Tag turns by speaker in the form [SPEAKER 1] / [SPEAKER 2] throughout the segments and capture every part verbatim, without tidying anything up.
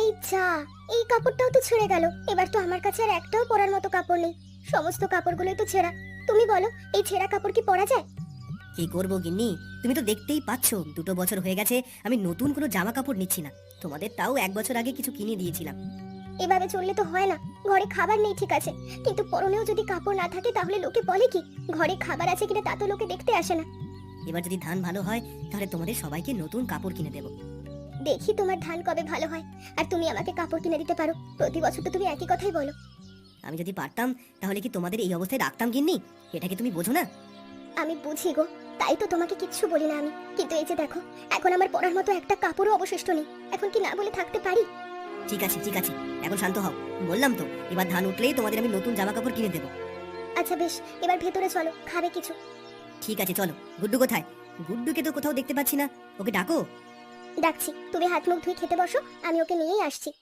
[SPEAKER 1] যা, এই কাপড়টাও তো ছেড়ে গেল। এবার তো আমার কাছে আর একটাও পরার মতো কাপড় নেই, সমস্ত কাপড়গুলোই তো ছেঁড়া। তুমি বলো, এই ছেঁড়া কাপড় কি পরা যায়?
[SPEAKER 2] কি করবো গিন্নি, তুমি তো দেখতেই পাচ্ছ দুটো বছর হয়ে গেছে আমি নতুন কোনো জামা কাপড় নিচ্ছি না। তোমাদের তাও এক বছর আগে কিছু কিনে দিয়েছিলাম।
[SPEAKER 1] এভাবে চললে তো হয় না। ঘরে খাবার নেই ঠিক আছে, কিন্তু পরনেও যদি কাপড় না থাকে তাহলে লোকে বলে কি? ঘরে খাবার আছে কিনা তা তো লোকে দেখতে আসে না।
[SPEAKER 2] এবার যদি ধান ভালো হয় তাহলে তোমাদের সবাইকে নতুন কাপড় কিনে দেবো।
[SPEAKER 1] দেখি তোমার ধান কবে ভালো হয়, আর তুমি আমাকে কাপড় কিনে দিতে পারো। প্রতি বছর তো তুমি একই কথাই বলো।
[SPEAKER 2] আমি যদি পারতাম তাহলে কি তোমাদের এই অবস্থায় রাখতাম গিন্নি? এটা কি তুমি বোঝো না?
[SPEAKER 1] আমি বুঝি গো, তাই তো তোমাকে কিচ্ছু বলি না আমি। কিন্তু এই যে দেখো, এখন আমার পরার মতো একটা কাপড়ও অবশিষ্ট নেই। এখন কি না বলে থাকতে পারি?
[SPEAKER 2] ঠিক আছে ঠিক আছে, এখন শান্ত হও। বললাম তো, এবার ধান উঠলেই তোমাদের আমি নতুন জামা কাপড় কিনে দেবো।
[SPEAKER 1] আচ্ছা বেশ, এবার ভেতরে চলো, খাবে কিছু?
[SPEAKER 2] ঠিক আছে চলো। গুড্ডু কোথায়? গুড্ডুকে তো কোথাও দেখতে পাচ্ছি না, ওকে ডাকো।
[SPEAKER 1] ডাকছি, তুমি হাত মুখ ধুয়ে খেতে বসো, আমি ওকে নিয়েই আসছি।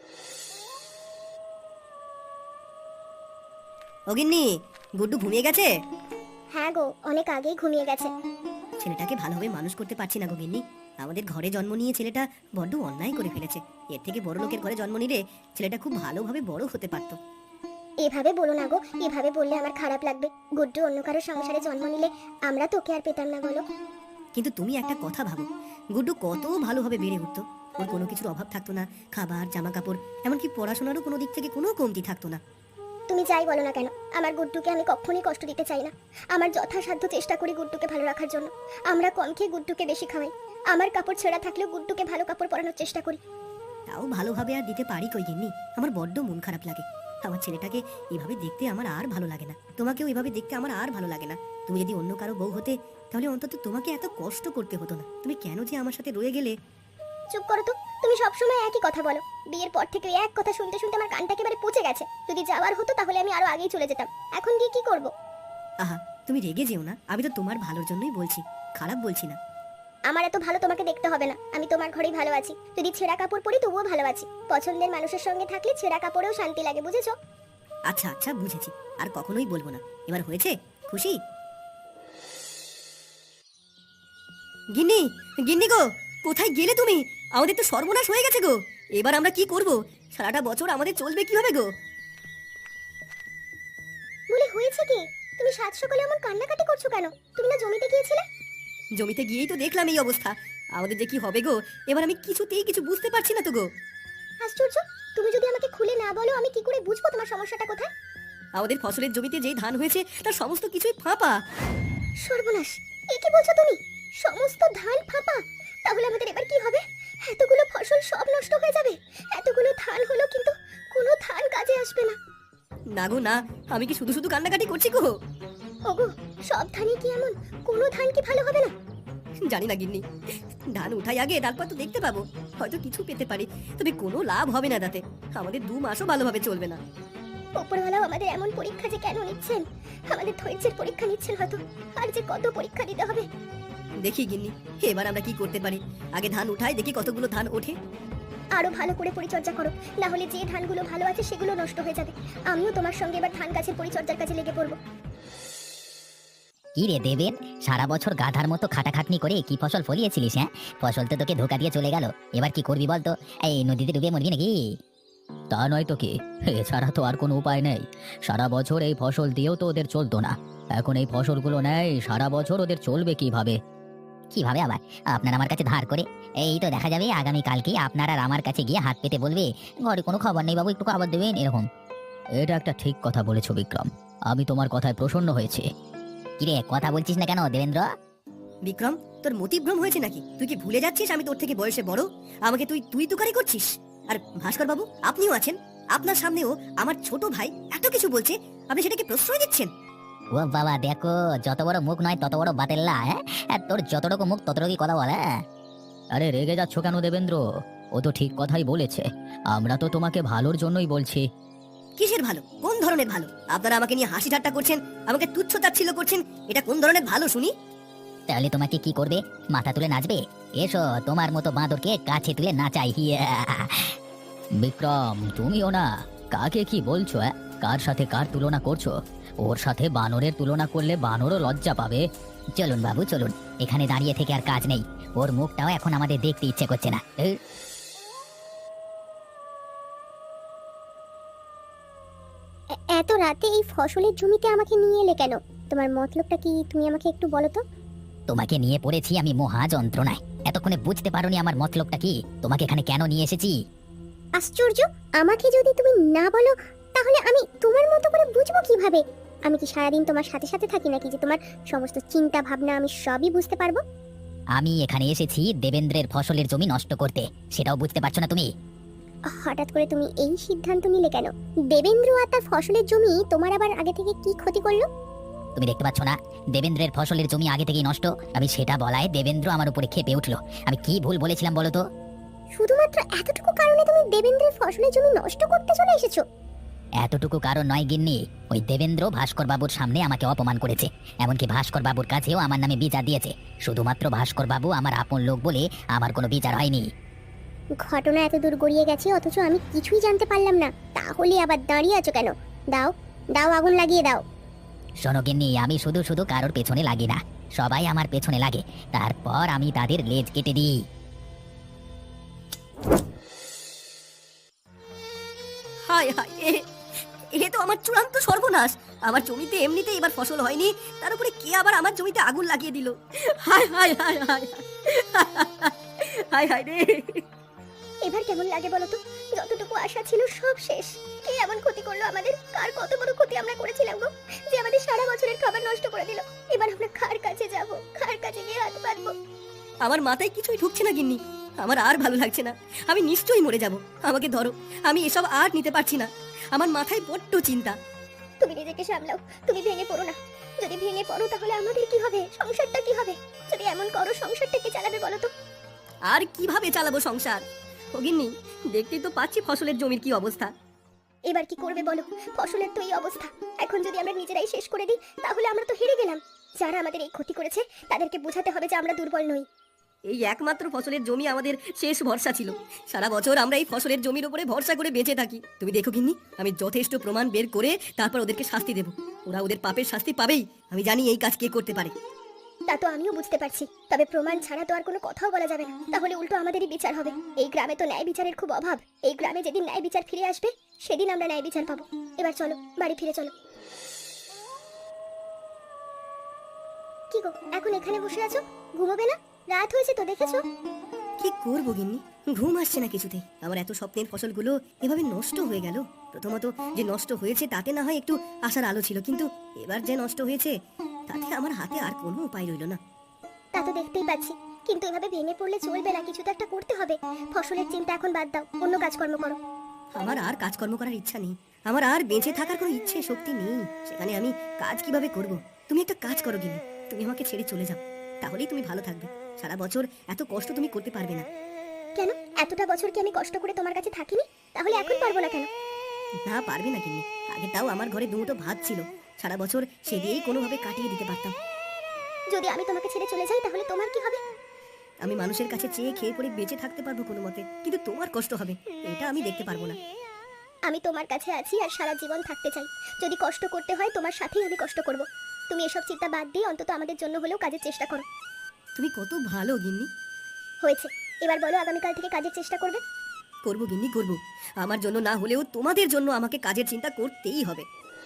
[SPEAKER 2] ও গিন্নি, গুড্ডু ঘুমিয়ে গেছে?
[SPEAKER 1] হ্যাঁ গো, অনেক আগেই ঘুমিয়ে গেছে।
[SPEAKER 2] ছেলেটাকে ভালোভাবে মানুষ করতে পারছি না গো গিন্নি। আমাদের ঘরে জন্ম নিয়ে ছেলেটা বড্ড অন্যায় করে ফেলেছে। এর থেকে বড় লোকের ঘরে জন্ম নিলে ছেলেটা খুব ভালোভাবে বড় হতে পারত।
[SPEAKER 1] এভাবে বলো না গো, এভাবে বললে আমার খারাপ লাগবে। গুড্ডু অন্য কারো সংসারে জন্ম নিলে আমরা তোকে আর পেতাম না বলো।
[SPEAKER 2] কিন্তু তুমি একটা কথা ভাবো, গুড্ডু কত ভালোভাবে বেড়ে উঠতো। ওর কোনো কিছুর অভাব থাকতো না, খাবার, জামা কাপড়, এমনকি পড়াশোনারও কোনো দিক থেকে কোনো কমতি থাকতো না।
[SPEAKER 1] তুমি যাই বলো না কেন, আমার গুড্ডুকে আমি কখনোই কষ্ট দিতে চাই না। আমার যথাসাধ্য চেষ্টা করি গুড্ডুকে ভালো রাখার জন্য। আমরা কম খেয়ে গুড্ডুকে বেশি খাওয়াই। আমার কাপড় ছেঁড়া থাকলেও গুড্ডুকে ভালো কাপড় পরানোর চেষ্টা করি।
[SPEAKER 2] তাও ভালোভাবে আর দিতে পারি কই গিন্নি। আমার বড্ড মন খারাপ লাগে। আমার ছেলেটাকে এভাবে দেখতে আমার আর ভালো লাগে না। তোমাকেও এভাবে দেখতে আমার আর ভালো লাগে না। তুমি যদি অন্য কারো বউ হতে তাহলে অন্তত তোমাকে এত কষ্ট করতে হতো না। তুমি কেন যে আমার সাথে রয়ে গেলে?
[SPEAKER 1] চুপ করো তো, তুমি সবসময় একই কথা বলো। বিয়ের পর থেকে এক কথা শুনতে শুনতে আমার কানটা একেবারে পচে গেছে। যদি যাওয়ার হতো তাহলে আমি আরো আগেই চলে যেতাম। এখন গিয়ে কি করব?
[SPEAKER 2] আহা, তুমি রেগে যেও না। আমি তো তোমার ভালোর জন্যই বলছি, খারাপ বলছি না।
[SPEAKER 1] আমার এত ভালো তোমাকে দেখতে হবে না। আমি তোমার ঘরেই ভালো আছি। যদি ছেঁড়া কাপড় পরি তবুও ভালো আছি। পছন্দের মানুষের সঙ্গে থাকলে ছেঁড়া কাপড়েও শান্তি লাগে, বুঝেছো?
[SPEAKER 2] আচ্ছা আচ্ছা, বুঝেছি। আর কখনোই বলবো না। এবার হয়েছে? খুশি? গিন্নি, গিন্নি গো, কোথায় গেলে তুমি? আমাদের তো সর্বনাশ হয়ে গেছে গো। এবার আমরা কি করব? সারাটা বছর আমাদের চলবে কিভাবে গো?
[SPEAKER 1] বলে হয়েছে কি? তুমি সাত সকালে এমন কান্নাকাটি করছো কেন? তুমি না জমিতে গিয়েছিলে?
[SPEAKER 2] জমিতে গিয়েই তো দেখলাম এই অবস্থা। আমাদের যে কি হবে গো, এবার আমি কিছুতেই কিছু বুঝতে পারছি না তো গো।
[SPEAKER 1] আশ্চর্য, তুমি যদি আমাকে খুলে না বলো আমি কি করে বুঝবো তোমার সমস্যাটা কোথায়?
[SPEAKER 2] আমাদের ফসলের জমিতে যেই ধান হয়েছে তার সমস্ত কিছুই ফাঁপা।
[SPEAKER 1] সর্বনাশ, এ কি বলছো তুমি? সমস্ত ধান ফাঁপা? তাহলে আমাদের এবার কি হবে? এতগুলো ফসল সব নষ্ট হয়ে যাবে। এতগুলো ধান হলো কিন্তু কোনো ধান কাজে আসবে না।
[SPEAKER 2] না গো না, আমি কি শুধু শুধু কান্নাকাটি করছি গো?
[SPEAKER 1] ওগো, সব ধানই কি এমন? কোনো ধান কি ভালো হবে না?
[SPEAKER 2] জানি না গিন্নি, ধান উঠাই আগে, তারপর তো দেখতে পাবো। হয়তো কিছু পেতে পারি, তবে কোনো লাভ হবে না তাতে। আমাদের দু মাসও ভালোভাবে চলবে না।
[SPEAKER 1] উপরওয়ালাও আমাদের এমন পরীক্ষা যে কেন নিচ্ছেন? আমাদের ধৈর্যের পরীক্ষা নিচ্ছেন হয়তো। আর যে কত পরীক্ষা দিতে হবে।
[SPEAKER 2] দেখি গিন্নি, এবার আমরা কি করতে পারি। আগে ধান উঠাই, দেখি কতগুলো ধান ওঠে।
[SPEAKER 1] আরো ভালো করে পরিচর্যা করো, না হলে যে ধানগুলো ভালো আছে সেগুলো নষ্ট হয়ে যাবে। আমিও তোমার সঙ্গে এবার ধান গাছের পরিচর্যার কাজে লেগে পড়বো।
[SPEAKER 3] কি রে দেবেন, সারা বছর গাধার মতো খাটাখাটনি করে কি ফসল ফলিয়েছিলিস? হ্যাঁ, ফসল তো তোকে ধোকা দিয়ে চলে গেল। এবার কি করবি বলতো? এই নদীতে ডুবে মরবি নাকি? তা নয় তো কি, এছাড়া তো আর কোনো উপায় নেই। সারা বছর এই ফসল দিয়েও তো ওদের চলতো না। এখন এই ফসলগুলো নেই, সারা বছর ওদের চলবে কিভাবে? কিভাবে আবার? আপনার আমার কাছে ধার করে? এই তো দেখা যাবে আগামী কালকে আপনার আর আমার কাছে গিয়ে হাত পেতে বলবে, ঘরে কোনো খাবার নেই বাবু, একটু খাবার দেবেন, এরকম। এটা একটা ঠিক কথা বলেছো বিক্রম, আমি তোমার কথায় প্রসন্ন হয়েছে। কিরে, কথা বলছিস না কেন দেবেন্দ্র?
[SPEAKER 2] বিক্রম, তোর মতিভ্রম হয়েছে নাকি? তুই কি ভুলে যাচ্ছিস আমি তোর থেকে বয়সে বড়? আমাকে তুই তুই তুকারি করছিস? আর ভাস্কর বাবু, আপনিও আছেন। আপনার সামনেও আমার ছোট ভাই এত কিছু বলছে, আপনি সেটাকে প্রশ্রয় দিচ্ছেন?
[SPEAKER 3] ও বাবা, দেখো, যত বড় মুখ নয় তত বড় বাতেল্লা। হ্যাঁ, আর তোর যতটুকু মুখ ততটুকুই কথা বলে। আরে রেগে যাচ্ছ কেন দেবেন্দ্র? ও তো ঠিক কথাই বলেছে। আমরা তো তোমাকে ভালোর জন্যই বলছি।
[SPEAKER 2] কিসের ভালো? কোন ধরনের ভালো? আপনারা আমাকে নিয়ে হাসি ঠাট্টা করছেন, আমাকে তুচ্ছ তাচ্ছিল্য করছেন। এটা কোন ধরনের ভালো শুনি?
[SPEAKER 3] তাহলে তোমাকে কি করবে? মাথা তুলে নাচবে? এসো, তোমার মতো বাঁদরকে কাছে তুলে নাচাই। হিয়া। বিক্রম, তুমিও না, কাকে কি বলছো? হ্যাঁ, কার সাথে কার তুলনা করছো? ওর সাথে বানরের তুলনা করলে বানরও লজ্জা পাবে। চলুন বাবু চলুন, এখানে দাঁড়িয়ে থেকে আর কাজ নেই। ওর মুখটাও এখন আমাদের দেখতে ইচ্ছে করছে না। এই,
[SPEAKER 1] এত রাতে এই ফসলের জমিতে আমাকে নিয়ে এলে কেন? তোমার মতলবটা কি তুমি আমাকে একটু বলো তো।
[SPEAKER 3] তোমাকে নিয়ে পড়েছি আমি মহা যন্ত্রণায়। এতক্ষণে বুঝতে পারোনি আমার মতলবটা কি? তোমাকে এখানে কেন নিয়ে এসেছি?
[SPEAKER 1] আশ্চর্য, আমাকে যদি তুমি না বলো তাহলে আমি তোমার মতো করে বুঝবো কিভাবে? আমি কি সারাদিন তোমার সাথে সাথে থাকি নাকি যে তোমার সমস্ত চিন্তা ভাবনা আমি সবই বুঝতে পারবো?
[SPEAKER 3] আমি এখানে এসেছি দেবেন্দ্রের ফসলের জমি নষ্ট করতে, সেটাও বুঝতে পারছো না তুমি?
[SPEAKER 1] হঠাৎ করে তুমি এই সিদ্ধান্ত নিলে কেন? দেবেন্দ্র আর তার ফসলের জমি তোমার আবার আগে থেকে কি ক্ষতি করলো?
[SPEAKER 3] তুমি দেখতে পাচ্ছ না দেবেন্দ্রের ফসলের জমি আগে থেকেই নষ্ট? আমি সেটা বলায় দেবেন্দ্র আমার উপরে ক্ষেপে উঠলো। আমি কি ভুল বলেছিলাম বলো তো?
[SPEAKER 1] শুধুমাত্র এতটুকু কারণে তুমি দেবেন্দ্রের ফসলের জমি নষ্ট করতে চলে এসেছো?
[SPEAKER 3] এতটুকু কারণ নয় গিন্নি, ওই দেবেন্দ্র ভাস্কর বাবুর সামনে আমাকে অপমান করেছে। এমনকি ভাস্কর বাবুর কাছেও আমার নামে বিচার দিয়েছে। শুধুমাত্র ভাস্কর বাবু আমার আপন লোক বলে আমার কোনো বিচার হয়নি।
[SPEAKER 1] ঘটনা এত দূর গড়িয়ে গেছে অথচ আমি কিছুই জানতে পারলাম না। তাহলে আবার দাঁড়িয়ে আছো কেন? দাও দাও, আগুন লাগিয়ে দাও।
[SPEAKER 3] শোনো গিন্নি, আমি শুধু শুধু কারোর পেছনে লাগি না, সবাই আমার পেছনে লাগে, তারপর আমি তাদের লেজ কেটে দিই।
[SPEAKER 2] হায় হায়, এ এ তো আমার চূড়ান্ত সর্বনাশ। আমার জমিতে এমনিতে এবার ফসল হয়নি, তার উপরে কে আবার আমার জমিতে আগুন লাগিয়ে দিল। হায় হায় হায় হায় হায় হায় রে।
[SPEAKER 1] এবার কেমন লাগে বলো তো? যতটুকু আশা ছিল সব শেষ। কে এমন ক্ষতি করলো আমাদের? কার কত বড় ক্ষতি আমরা করেছিলাম গো, যে আমাদের সারা বছরের খাবার নষ্ট করে দিল। এবার আমরা কার কাছে যাব? কার কাছে গিয়ে হাত পাতবো?
[SPEAKER 2] আমার মাথায় কিছুই ঢুকছে না গিন্নি। আমার আর ভালো লাগছে না, আমি নিশ্চয়ই মরে যাব। আমাকে ধরো, আমি এসব আর নিতে পারছি না। আমার মাথায় বড্ড চিন্তা।
[SPEAKER 1] তুমি নিজেকে সামলাও, তুমি ভেঙে পড়ো না। যদি ভেঙে পড়ো তাহলে আমাদের কি হবে? সংসারটা কি হবে? যদি এমন করো সংসারটা কে চালাবে বলো তো?
[SPEAKER 2] আর কিভাবে চালাবো সংসার? ও গিন্নি, দেখতেই তো পাচ্ছি ফসলের জমির কি অবস্থা।
[SPEAKER 1] এবার কি করবে বলো? ফসলের তো এই অবস্থা। এখন যদি আমরা নিজেরাই শেষ করে দিই তাহলে আমরা তো হেরে গেলাম। যারা আমাদের এই ক্ষতি করেছে তাদেরকে বোঝাতে হবে যে আমরা দুর্বল নই।
[SPEAKER 2] এই একমাত্র ফসলের জমি আমাদের শেষ ভরসা ছিল। সারা বছর আমরা এই ফসলের জমির উপরে ভরসা করে বেঁচে থাকি। তুমি দেখো গিন্নি, আমি যথেষ্ট প্রমাণ বের করে তারপর ওদেরকে শাস্তি দেব। ওরা ওদের পাপের শাস্তি পাবেই। আমি জানি এই কাজ কে করতে পারে।
[SPEAKER 1] তা তো আমিও বুঝতে পারছি, তবে প্রমাণ ছাড়া তো আর কোনো কথাও বলা যাবে না। তাহলে উল্টো আমাদেরই বিচার হবে। এই গ্রামে তো ন্যায় বিচারের খুব অভাব। এই গ্রামে যেদিন ন্যায় বিচার ফিরে আসবে সেদিন আমরা ন্যায় বিচার পাবো। এবার চলো, বাড়ি ফিরে চলো। কি গো, এখন এখানে বসে আছো? ঘুমোবে না? রাত হয়েছে তো, দেখেছো?
[SPEAKER 2] কি করবো গিন্নি, ঘুম আসছে না কিছুতেই। আমার এত স্বপ্নের ফসলগুলো এভাবে নষ্ট হয়ে গেল। প্রথমত যে নষ্ট হয়েছে তাতে না হয় একটু আশার আলো ছিল, কিন্তু এবার যে নষ্ট হয়েছে তাতে আমার হাতে আর কোনো উপায় রইল না।
[SPEAKER 1] তা তো দেখতেই পাচ্ছি, কিন্তু এভাবে ভেঙে পড়লে চলবে না। কিছু তো একটা করতে হবে। ফসলের চিন্তা এখন বাদ দাও, অন্য কাজকর্ম করো।
[SPEAKER 2] আমার আর কাজকর্ম করার ইচ্ছা নেই। আমার আর বেঁচে থাকার কোনো ইচ্ছে শক্তি নেই। সেখানে আমি কাজ কিভাবে করব? তুমি একটা কাজ করো গিন্নি, তুমি আমাকে ছেড়ে চলে যাও, তাহলেই তুমি ভালো থাকবে। সারা বছর এত কষ্ট তুমি করতে পারবে না।
[SPEAKER 1] কেন? এতটা বছর কি আমি কষ্ট করে তোমার কাছে থাকিনি? তাহলে এখন পারবো না কেন?
[SPEAKER 2] না, পারবে না গিন্নি। আগে তাও আমার ঘরে দুমুঠো ভাত ছিল, সারা বছর সে দিয়েই কোনোভাবে কাটিয়ে দিতে পারতাম।
[SPEAKER 1] যদি আমি তোমাকে ছেড়ে চলে যাই তাহলে তোমার কি হবে?
[SPEAKER 2] আমি মানুষের কাছে চেয়ে খেয়ে পরে বেঁচে থাকতে পারবো কোনো মতে, কিন্তু তোমার কষ্ট হবে এটা আমি দেখতে পারবো না।
[SPEAKER 1] আমি তোমার কাছে আছি আর সারা জীবন থাকতে চাই। যদি কষ্ট করতে হয় তোমার সাথেই আমি কষ্ট করব। তুমি এসব চিন্তা বাদ দিয়ে অন্তত আমাদের জন্য হলেও কাজের চেষ্টা করো।
[SPEAKER 2] তুমি কত ভালো গিন্নি।
[SPEAKER 1] হয়েছে, এবার বলো আগামীকাল থেকে কাজের চেষ্টা করবে?
[SPEAKER 2] করবো গিন্নি, করবো। আমার জন্য না হলেও তোমাদের জন্য আমাকে কাজের চিন্তা করতেই হবে।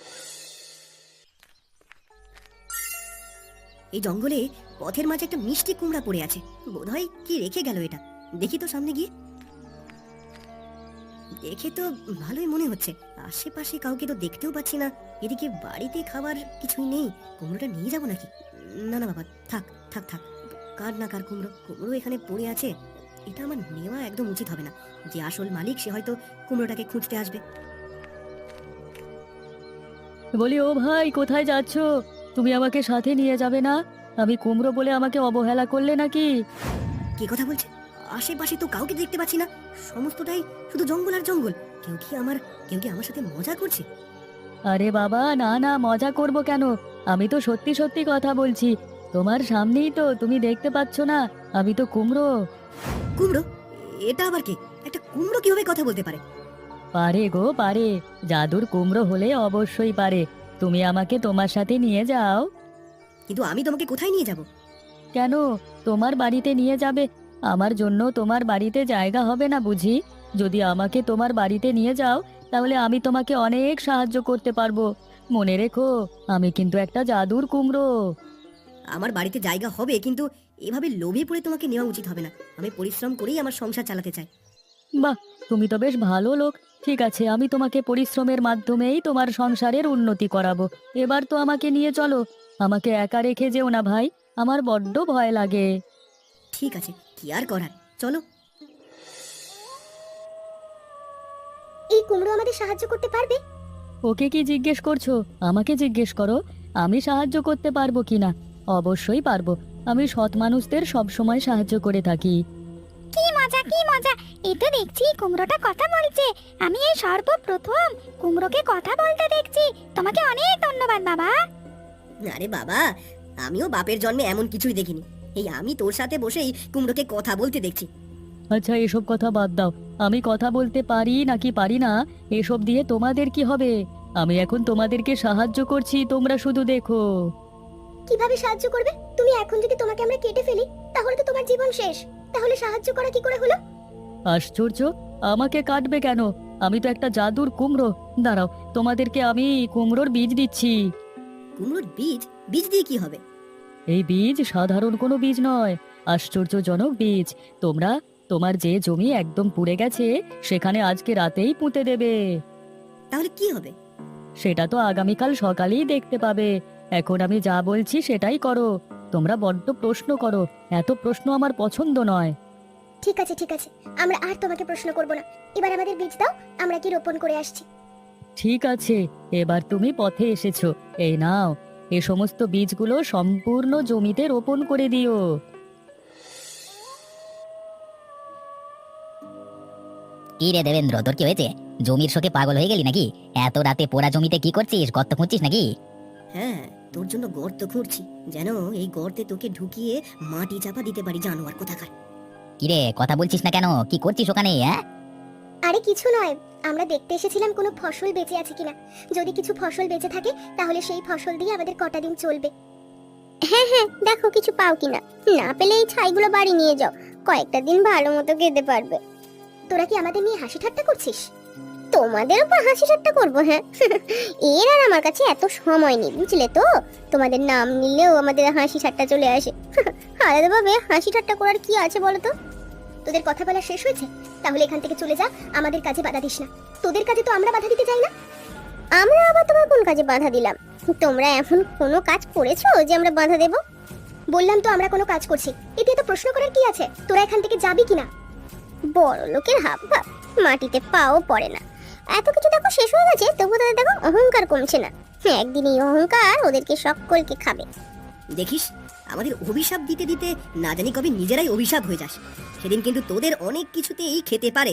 [SPEAKER 2] এই জঙ্গলে পথের মাঝে একটা মিষ্টি কুমড়া পড়ে আছে। বোধহয় কি রেখে গেল এটা। দেখি তো সামনে গিয়ে। দেখে তো ভালোই মনে হচ্ছে। আশেপাশে কাউকে তো দেখতেও পাচ্ছি না। এদিকে বাড়িতে খাবার কিছুই নেই। কুমড়োটা নিয়ে যাবো নাকি? না না বাবা, থাক থাক থাক। কার না কার কুমড়ো, কুমড়ো এখানে পড়ে আছে। এটা আমার নেওয়া একদম উচিত হবে না। যে আসল মালিক সে হয়তো কুমড়োটাকে খুঁজতে আসবে।
[SPEAKER 4] বলি, ও ভাই, কোথায় যাচ্ছ? তুমি আমাকে সাথে নিয়ে যাবে না? আমি কুমড়ো বলে আমাকে অবহেলা করলে নাকি?
[SPEAKER 2] কে কথা বলছে? আশেপাশে তো কাউকে দেখতে পাচ্ছি না। সমস্তটাই শুধু জঙ্গল আর জঙ্গল। কেউ কি আমার কেউ কি আমার সাথে মজা করছে?
[SPEAKER 4] আরে বাবা, না না, মজা করব কেন? আমি তো সত্যি সত্যি কথা বলছি। তোমার সামনেই তো, তুমি দেখতে পাচ্ছ না? আমি তো কুমড়ো।
[SPEAKER 2] কুমড়ো? এটা আবার কে? একটা কুমড়ো কিভাবে কথা বলতে পারে?
[SPEAKER 4] পারে গো, পারে। জাদুর কুমড়ো হলে অবশ্যই পারে। তুমি আমাকে তোমার সাথে নিয়ে যাও।
[SPEAKER 2] কিন্তু আমি তোমাকে কোথায় নিয়ে যাব?
[SPEAKER 4] কেন? তোমার বাড়িতে নিয়ে যাবে। আমার জন্য তোমার বাড়িতে জায়গা হবে না বুঝি? যদি আমাকে তোমার বাড়িতে নিয়ে যাও তাহলে আমি তোমাকে অনেক সাহায্য করতে পারবো। মনে রেখো, আমি কিন্তু একটা জাদুর কুমড়ো।
[SPEAKER 2] আমার বাড়িতে জায়গা হবে, কিন্তু এভাবে লোভে পড়ে তোমাকে নেওয়া উচিত হবে না। আমি পরিশ্রম করেই আমার সংসার চালাতে চাই।
[SPEAKER 4] বাহ, তুমি তো বেশ ভালো লোক। ঠিক আছে, আমি তোমাকে পরিশ্রমের মাধ্যমেই তোমার সংসারের উন্নতি করাবো। এবার তো আমাকে নিয়ে চলো। আমাকে একা রেখে যেও না ভাই, আমার বড্ড ভয় লাগে।
[SPEAKER 2] ঠিক আছে, কি আর করার, চলো।
[SPEAKER 1] এই কুমড়ো আমাদের সাহায্য করতে পারবে?
[SPEAKER 4] ওকে কি জিজ্ঞেস করছো? আমাকে জিজ্ঞেস করো আমি সাহায্য করতে পারবো কিনা। অবশ্যই পারবো। আমি সৎ মানুষদের সবসময় সাহায্য করে থাকি।
[SPEAKER 1] কি মজা, কি মজা! এই তো দেখছি কুমড়োটা কথা বলছে। আমি এই সর্বপ্রথম কুমড়োকে কথা বলতে দেখছি। তোমাকে অনেক ধন্যবাদ বাবা।
[SPEAKER 2] আরে বাবা, আমিও বাপের জন্মে এমন কিছুই দেখিনি। এই আমি তোর সাথে বসেই কুমড়োকে কথা বলতে দেখছি।
[SPEAKER 4] আচ্ছা, এসব কথা বাদ দাও। আমি কথা বলতে পারি নাকি পারি না এসব দিয়ে তোমাদের কি হবে? আমি এখন তোমাদেরকে সাহায্য করছি, তোমরা শুধু দেখো।
[SPEAKER 1] কিভাবে সাহায্য করবে? তুমি এখন যদি তোমাকে আমরা কেটে ফেলি তাহলে তো তোমার জীবন শেষ। তাহলে সাহায্য করা কি করে হলো?
[SPEAKER 4] আশ্চর্য, আমাকে কাটবে কেন? আমি তো একটা জাদুর কুমড়ো। দাঁড়াও, তোমাদেরকে আমি কুমড়োর বীজ দিচ্ছি।
[SPEAKER 2] কুমড়োর বীজ? বীজ দিয়ে কি হবে?
[SPEAKER 4] এই বীজ সাধারণ কোনো বীজ নয়, আশ্চর্যজনক বীজ। তোমরা তোমার যে জমি একদম পুড়ে গেছে সেখানে আজকে রাতেই পুঁতে দেবে।
[SPEAKER 2] তাহলে কি হবে?
[SPEAKER 4] সেটা তো আগামীকাল সকালেই দেখতে পাবে। এখন আমি যা বলছি সেটাই করো। তোমরা বড্ড প্রশ্ন করো, এত প্রশ্ন আমার পছন্দ নয়।
[SPEAKER 1] ঠিক আছে, ঠিক আছে, আমরা আর তোমাকে প্রশ্ন করব না। এবার আমাদের বীজ দাও, আমরা কি রোপণ করে আসছি।
[SPEAKER 4] ঠিক আছে, এবার তুমি পথে এসেছো। এই নাও, এ সমস্ত বীজগুলো সম্পূর্ণ জমিতে রোপণ করে দিও।
[SPEAKER 3] কি রে দেবেন্দ্র, তোর কি হয়েছে? জমির শোকে পাগল হয়ে গেলি নাকি? এত রাতে পোড়া জমিতে কি করছিস? গর্ত খুঁজছিস নাকি?
[SPEAKER 2] হ্যাঁ, তোর জন্য গর্ত খুঁড়ছি, যেন এই গর্তে তোকে ঢুকিয়ে মাটি চাপা দিতে পারি, জানোয়ার কোথাকার।
[SPEAKER 3] কি রে, কথা বলছিস না কেন? কি করছিস ওখানে? হ্যাঁ,
[SPEAKER 1] আরে কিছু নয়, আমরা দেখতে এসেছিলাম কোনো ফসল বেঁচে আছে কিনা। যদি কিছু ফসল বেঁচে থাকে তাহলে সেই ফসল দিয়ে আমাদের কটা দিন চলবে। হ্যাঁ হ্যাঁ, দেখো কিছু পাও কিনা। না পেলে এই ছাইগুলো বাড়ি নিয়ে যাও, কয়েকটা দিন ভালো মতো খেতে পারবে। তোরা কি আমাদের নিয়ে হাসি ঠাট্টা করছিস? তোমাদের উপর হাসি ঠাট্টা করবো? হ্যাঁ, এর আর আমার কাছে এত সময় নেই, বুঝলে তো। তোমাদের নাম নিলেও আমাদের হাসি ঠাট্টা চলে আসে। আলাদাভাবে হাসি ঠাট্টা করার কি আছে বলো তো? তোদের কথা বলা শেষ হয়েছে? তাহলে এখান থেকে চলে যা, আমাদের কাজে বাধা দিস না। তোদের কাজে তো আমরা বাধা দিতে চাই না। আমরা আবার তোমার কোন কাজে বাধা দিলাম? তোমরা এখন কোনো কাজ করেছো যে আমরা বাধা দেব? বললাম তো আমরা কোনো কাজ করছি, এতে তো প্রশ্ন করার কি আছে? তোরা এখান থেকে যাবি কিনা? বড় লোকের হাব ভাব, মাটিতে পাও পড়ে না। এত কিছু দেখো শেষ হয়ে গেছে, তবু তাদের দেখো অহংকার কমছে না। একদিন এই অহংকার ওদেরকে সকলকে খাবে।
[SPEAKER 2] দেখিস, আমাদের অভিশাপ দিতে দিতে না জানি কবে নিজেরাই অভিশাপ হয়ে যাস। সেদিন কিন্তু তোদের অনেক কিছুতেই খেতে পারে।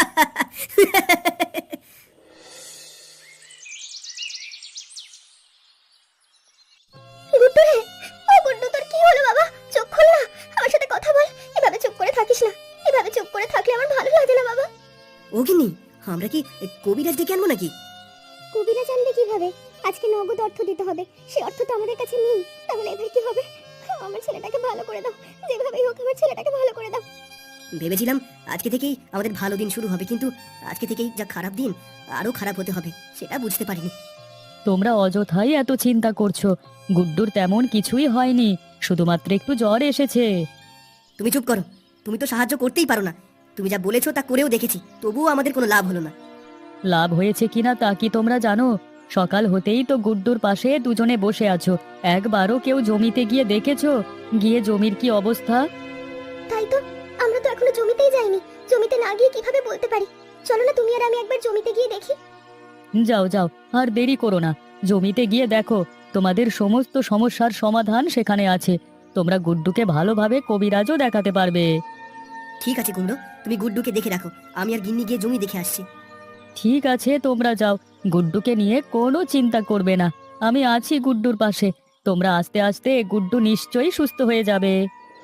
[SPEAKER 1] গুড্ডু রে, ও গুড্ডু, তোর কি হলো বাবা? চোখ খোল না, আমার সাথে কথা বল। এভাবে চুপ করে থাকিস না, এভাবে চুপ করে থাকলে আমার ভালো লাগে না বাবা।
[SPEAKER 2] ওগিনি, আমরা কি কবিরাজ ডেকে আনবো নাকি?
[SPEAKER 1] কবিরা জানবে কিভাবে? আজকে নগদ অর্থ দিতে হবে, সে অর্থ তো আমাদের কাছে নেই। তাহলে এবার কি হবে? আমার ছেলেটাকে ভালো করে দাও, যেভাবেই হোক আমার ছেলেটাকে ভালো করে দাও।
[SPEAKER 2] ভেবেছিলাম আজকে থেকেই আমাদের ভালো দিন শুরু হবে, কিন্তু আজকে থেকেই যা খারাপ দিন আরো খারাপ হতে হবে সেটা বুঝতে পারিনি।
[SPEAKER 4] তোমরা অযথাই এত চিন্তা করছো। গুড্ডুর তেমন কিছুই হয়নি, শুধুমাত্র একটু জ্বর এসেছে।
[SPEAKER 2] তুমি চুপ করো, তুমি তো সাহায্য করতেই পারো না। তুমি যা বলেছো তা করেও দেখেছি, তবুও আমাদের কোনো লাভ হলো না।
[SPEAKER 4] লাভ হয়েছে কিনা তা কি তোমরা জানো? সকাল হতেই তো গুড্ডুর পাশে দুজনে বসে আছো। একবারও কেউ জমিতে গিয়ে দেখেছো গিয়ে জমির কি অবস্থা?
[SPEAKER 1] তাই তো, আমরা তো এখনো জমিতেই যাইনি। জমিতে না গিয়ে কিভাবে বলতে পারি? চলো না তুমি আর আমি একবার জমিতে গিয়ে দেখি।
[SPEAKER 4] যাও যাও, আর দেরি করো না, জমিতে গিয়ে দেখো। তোমাদের সমস্ত সমস্যার সমাধান সেখানে আছে। তোমরা গুড্ডুকে ভালোভাবে কবিরাজও দেখাতে পারবে।
[SPEAKER 2] ঠিক আছে কুমড়ো, তুমি গুড্ডুকে দেখে রাখো, আমি আর গিন্নি গিয়ে জমি দেখে আসছি।
[SPEAKER 4] ঠিক আছে, তোমরা যাও। গুড্ডুকে নিয়ে কোনো চিন্তা করবে না, আমি আছি গুড্ডুর পাশে। তোমরা আস্তে আস্তে গুড্ডু নিশ্চয়ই সুস্থ হয়ে যাবে।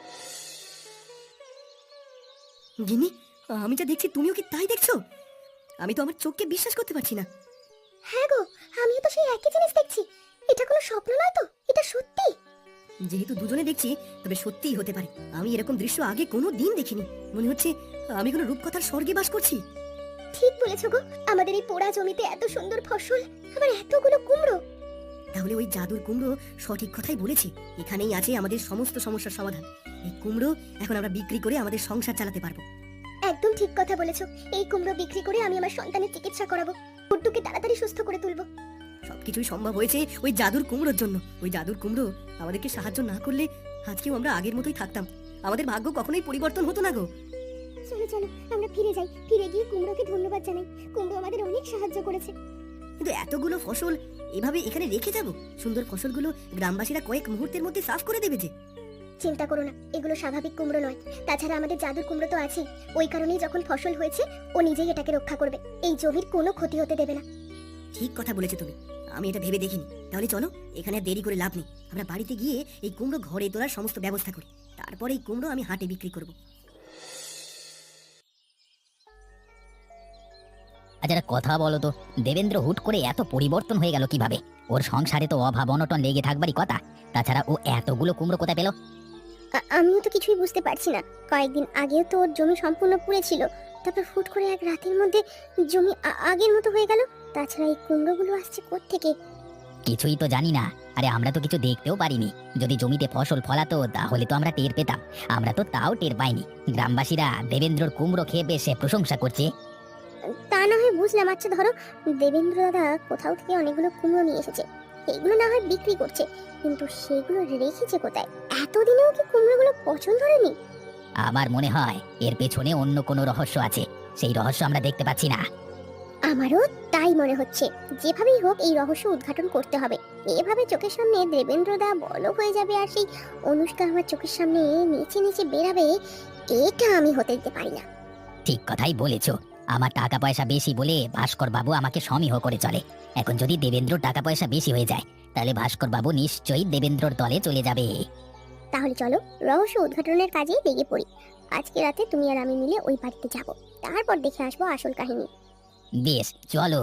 [SPEAKER 2] গিন্নি, আমি যা দেখছি তুমিও কি তাই দেখছো? আমি তো আমার চোখকে বিশ্বাস করতে পারছি না।
[SPEAKER 1] হ্যাঁ গো, আমিও তো সেই একই জিনিস দেখছি। এটা কোনো স্বপ্ন নয় তো, এটা সত্যি।
[SPEAKER 2] যেহেতু দুজনে দেখছি, তবে সত্যিই হতে পারে। আমি এরকম দৃশ্য আগে কোনো দিন দেখিনি। মনে হচ্ছে আমি কোনো রূপকথার স্বর্গে বাস করছি।
[SPEAKER 1] ঠিক বলেছো গো, আমাদের এই পোড়া জমিতে এত সুন্দর ফসল, আবার এতগুলো কুমড়ো।
[SPEAKER 2] তাহলে ওই জাদুর কুমড়ো সঠিক কথাই বলেছে, এখানেই আছে আমাদের সমস্ত সমস্যার সমাধান। এই কুমড়ো এখন আমরা বিক্রি করে আমাদের সংসার চালাতে পারবো।
[SPEAKER 1] একদম ঠিক কথা বলেছো, এই কুমড়ো বিক্রি করে আমি আমার সন্তানের চিকিৎসা করাবো, গুড্ডুকে তাড়াতাড়ি সুস্থ করে তুলবো।
[SPEAKER 2] সবকিছুই সম্ভব হয়েছে ওই জাদুর কুমড়োর জন্য। ওই জাদুর কুমড়ো আমাদেরকে সাহায্য না করলে আজকেও আমরা আগের মতোই থাকতাম, আমাদের ভাগ্য কখনোই পরিবর্তন হতো না গো।
[SPEAKER 1] চলো চলো আমরা ফিরে যাই, ফিরে গিয়ে কুমড়োকে ধন্যবাদ জানাই, কুমড়ো আমাদের অনেক সাহায্য করেছে।
[SPEAKER 2] কিন্তু এতগুলো ফসল এভাবে এখানে রেখে যাব? সুন্দর ফসলগুলো গ্রামবাসীরা কয়েক মুহূর্তের মধ্যে সাফ করে দেবে যে।
[SPEAKER 1] চিন্তা করো না, এগুলো স্বাভাবিক কুমড়ো নয়, তাছাড়া আমাদের জাদুর কুমড়ো তো আছেই। ওই কারণেই যখন ফসল হয়েছে ও নিজেই এটাকে রক্ষা করবে, এই জমির কোনো ক্ষতি হতে দেবে না।
[SPEAKER 2] ঠিক কথা বলেছো তুমি, আমি এটা ভেবে দেখিনি। তাহলে চলো, এখানে আর দেরি করে লাভ নেই, আমরা বাড়িতে গিয়ে এই কুমড়ো ঘরে তোলার সমস্ত ব্যবস্থা করি, তারপরে এই কুমড়ো আমি হাটে বিক্রি করব।
[SPEAKER 3] আচ্ছা একটা কথা বলো তো, দেবেন্দ্র হুট করে এত পরিবর্তন হয়ে গেল কিভাবে? ওর সংসারে তো অভাব অনটন লেগে থাকবারই কথা, তাছাড়া ও এতগুলো কুমড়ো কোথায় পেল?
[SPEAKER 1] আ- আমিও তো কিছুই বুঝতে পারছি না। কয়েকদিন আগেও তো ওর জমি সম্পূর্ণ পুড়ে ছিল, তারপর ফুট করে এক রাতের মধ্যে জমি আ- আগের মতো হয়ে গেল। তাছাড়া এই কুমড়োগুলো আসছে কোত্থেকে?
[SPEAKER 3] কিছুই তো জানি না। আরে আমরা তো কিছু দেখতেও পারিনি, যদি জমিতে ফসল ফলাতো তাহলে তো আমরা টের পেতাম, আমরা তো তাও টের পাইনি। গ্রামবাসীরা দেবেন্দ্রর কুমড়ো খেয়ে বেশ প্রশংসা করছে।
[SPEAKER 1] তা না হয় বুঝলাম, আচ্ছা ধরো দেবেন্দ্র দাদা কোথাও থেকে অনেকগুলো কুমড়ো নিয়ে এসেছে, এগুলো না হয় বিক্রি করছে, কিন্তু সেগুলো রেখেছে কোথায়? এতদিনেও কি কুমড়োগুলো পছন্দ হয়নি?
[SPEAKER 3] আমার মনে হয় এর পেছনে অন্য কোনো রহস্য আছে, সেই রহস্য আমরা দেখতে পাচ্ছি না।
[SPEAKER 1] আমারও তাই মনে হচ্ছে। যেভাবেই হোক এই রহস্য উদ্ঘাটন করতে হবে। এভাবে চোখের সামনে দেবেন্দ্র দা বড় হয়ে যাবে আর সেই অনুষ্কা আমার চোখের সামনে নিচে নিচে বেরাবে, এটা আমি হতে দিতে পারি না।
[SPEAKER 3] ঠিক কথাই বলেছো, আমার টাকা পয়সা বেশি বলে ভাস্কর বাবু আমাকে সমীহ করে চলে। এখন যদি দেবেন্দ্রর টাকা পয়সা বেশি হয়ে যায় তাহলে ভাস্কর বাবু নিশ্চয়ই দেবেন্দ্রর দলে চলে যাবে।
[SPEAKER 1] তাহলে চলো রহস্য উদ্ঘাটনের কাজে লেগে পড়ি। আজকে রাতে তুমি আর আমি মিলে ওই বাড়িতে যাব, তারপর দেখে আসবো আসল কাহিনী।
[SPEAKER 3] বেশ চলো।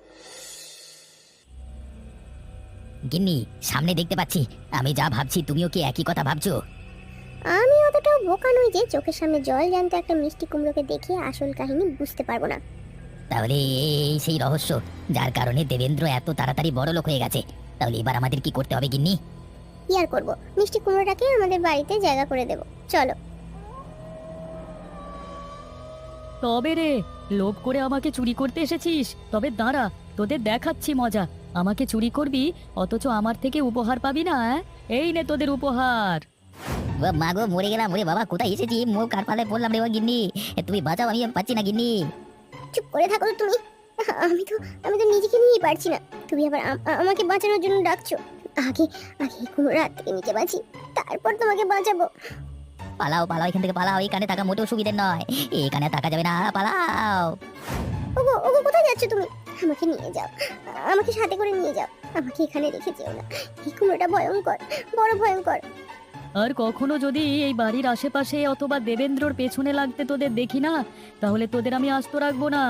[SPEAKER 3] গিন্নি, সামনে দেখতে পাচ্ছি, আমি যা ভাবছি তুমিও কি একই কথা ভাবছো?
[SPEAKER 1] আমি অতটাও বোকা নই যে চোখের সামনে জল জ্যান্ত একটা মিষ্টি কুমড়োকে দেখে আসল কাহিনী বুঝতে পারবো না।
[SPEAKER 3] তাহলে এই সেই রহস্য যার কারণে দেবেন্দ্র এত তাড়াতাড়ি বড় লোক হয়ে গেছে। তাহলে এবার আমাদের কি করতে হবে গিন্নি?
[SPEAKER 1] কি আর করবো, মিষ্টি কুমড়োটাকে আমাদের বাড়িতে জায়গা করে দেবো, চলো।
[SPEAKER 4] তবে রে, লোভ করে আমাকে চুরি করতে এসেছিস? তবে দাঁড়া, তোদের দেখাচ্ছি মজা। আমাকে চুরি করবি অথচ আমার থেকে উপহার পাবি না? অ্যাঁ? এই নে তোদের উপহার।
[SPEAKER 3] ও মা গো, মরে গেলাম, ওরে বাবা কোথায় এসেছি, মুখ কার পালে পড়লাম রে। ও গিন্নি, এ তুমি বাঁচাও, আমি আর পাচ্ছি না গিন্নি।
[SPEAKER 1] চুপ করে থাকো তো তুমি, আমি তো আমি তো নিজেকে নিয়ে পারছি না, তুমি আবার আম- আ- আমাকে বাঁচানোর জন্য ডাকছো। আগে আগে এই কুমড়ো হাত থেকে নিচে বাঁচি, তারপর তোমাকে বাঁচাবো।
[SPEAKER 3] পালাও পালাও, এখান থেকে পালাও, এখানে থাকা মোটেও সুবিধের নয়, এখানে থাকা যাবে না, পালাও।
[SPEAKER 1] ওগো ওগো কোথায় যাচ্ছ তুমি? আমাকে নিয়ে যাও, আমাকে সাথে করে নিয়ে যাও, আমাকে এখানে রেখে যেও না। এই কুমড়োটা ভয়ঙ্কর, বড় ভয়ঙ্কর।
[SPEAKER 4] আর কখনো যদি এই বাড়ির আশেপাশে অথবা দেবেন্দ্রর পেছনে লাগতে তোদের দেখি না, তাহলে তোদের আমি আস্ত রাখবো না।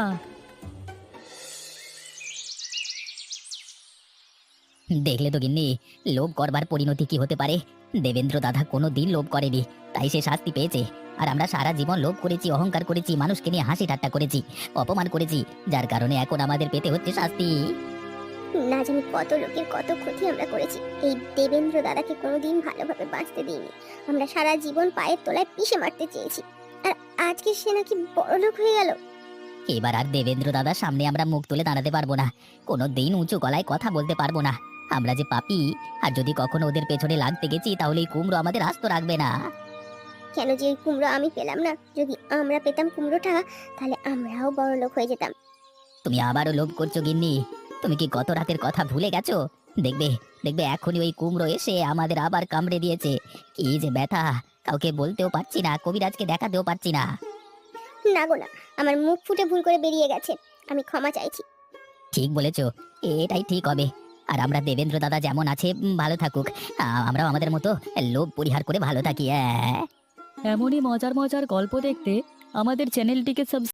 [SPEAKER 3] দেখলে তো গিন্নি, লোভ করবার পরিণতি কি হতে পারে। দেবেন্দ্র দাদা কোনো দিন লোভ করেনি, তাই সে শাস্তি পেয়েছে। আর আমরা সারা জীবন লোভ করেছি, অহংকার করেছি, মানুষকে নিয়ে হাসি ঠাট্টা করেছি, অপমান করেছি, যার কারণে এখন আমাদের পেতে হচ্ছে শাস্তি।
[SPEAKER 1] না জানি কত লোকের কত ক্ষতি আমরা করেছি, এই দেবেন্দ্র দাদাকে কোনোদিন ভালোভাবে বাঁচতে দিইনি। আমরা সারা জীবন পায়ের তলায় পিষে মারতে চেয়েছি, আর আজকে সে নাকি বড়লোক হয়ে গেল।
[SPEAKER 3] এবার আর দেবেন্দ্র দাদার সামনে আমরা মুখ তুলে দাঁড়াতে পারবো না, কোনো দিন উঁচু গলায় কথা বলতে পারবো না। আমরা যে পাপী, আর যদি কখনো ওদের পেছনে লাগতে গেছি তাহলে এই কুমড়ো আমাদের আস্ত রাখবে না।
[SPEAKER 1] কেন যে ওই কুমড়ো আমি পেলাম না? যদি আমরা পেতাম কুমড়োটা, তাহলে আমরাও বড়লোক হয়ে যেতাম।
[SPEAKER 3] তুমি আবারও লোভ করছো গিন্নি, তুমি কি গত রাতের কথা ভুলে গেছো? দেখবে দেখবে এখনই ওই কুমড়ো এসে আমাদের আবার কামড়ে দিয়েছে। কি যে ব্যথা, কাউকে বলতেও পারছি না, কবিরাজকে দেখাতেও পারছি না।
[SPEAKER 1] না গো না, আমার মুখ ফুটে ভুল করে বেরিয়ে গেছে, আমি ক্ষমা চাইছি।
[SPEAKER 3] ঠিক বলেছো, এটাই ঠিক হবে। আর আমরা দেবেন্দ্র দাদা যেমন আছে উম, ভালো থাকুক, আ- আমরাও আমাদের মতো লোভ পরিহার করে ভালো থাকি। হ্যাঁ,
[SPEAKER 4] এমনই মজার মজার গল্প দেখতে আমাদের চ্যানেলটিকে সাবস্ক্রাইব